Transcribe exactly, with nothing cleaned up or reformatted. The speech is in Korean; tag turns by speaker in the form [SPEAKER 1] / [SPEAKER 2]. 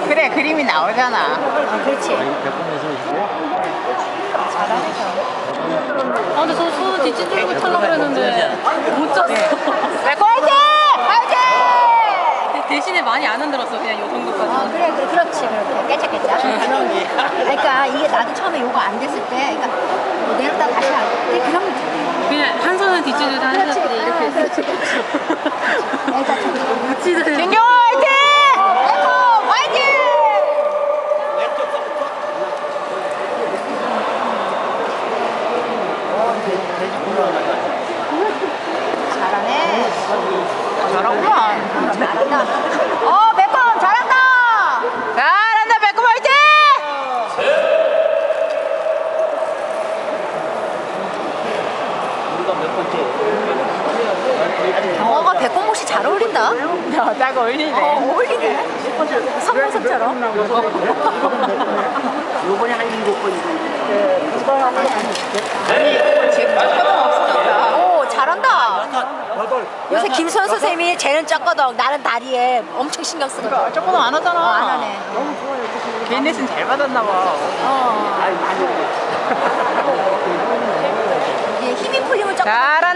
[SPEAKER 1] 그래, 그림이 나오잖아.
[SPEAKER 2] 아, 그렇지. 잘하네.
[SPEAKER 3] 아 근데 저 손은 뒷진주를 타려고 그랬는데 못 쳤어.
[SPEAKER 1] 매콤 화이팅! 화이팅!
[SPEAKER 3] 대신에 많이 안 흔들었어 그냥 요 정도까지.
[SPEAKER 2] 아, 그래, 그래, 그렇지, 그렇게. 깨짝깨짝. 그러니까 이게 나도 처음에 요거 안 됐을 때, 그러니까 뭐 내렸다 다시 할 때, 그런 거
[SPEAKER 3] 그냥 한 손은 뒷진주 한
[SPEAKER 2] 그렇지,
[SPEAKER 3] 손은 이렇게 했어.
[SPEAKER 2] 그렇지, 그렇지. 애가 좀
[SPEAKER 3] 묻지도 않고.
[SPEAKER 1] 진경아 화이팅! 매콤 화이팅!
[SPEAKER 2] 잘하네.
[SPEAKER 1] 잘하구만.
[SPEAKER 2] 잘한다.
[SPEAKER 1] 어, 매콤 잘한다. 잘한다, 매콤 화이팅!
[SPEAKER 2] 경어가 백곰옷이 잘 어울린다.
[SPEAKER 1] 여자가 어울리네.
[SPEAKER 2] 어, 어울리네. 선보섭처럼.
[SPEAKER 4] 요번에 한 일곱 번이고.
[SPEAKER 1] 지금 조금 없어졌다.
[SPEAKER 2] 오, 잘한다. 요새 김수현 선생님이 쟤는 쩍거덕, 나는 다리에 엄청 신경 쓰거든.
[SPEAKER 1] 조금 안 하잖아.
[SPEAKER 2] 어, 안 하네.
[SPEAKER 1] 개인 레슨 잘 받았나 봐.
[SPEAKER 2] 어. 이게 힘이 풀리면 쩍거덕.
[SPEAKER 1] 잘한다.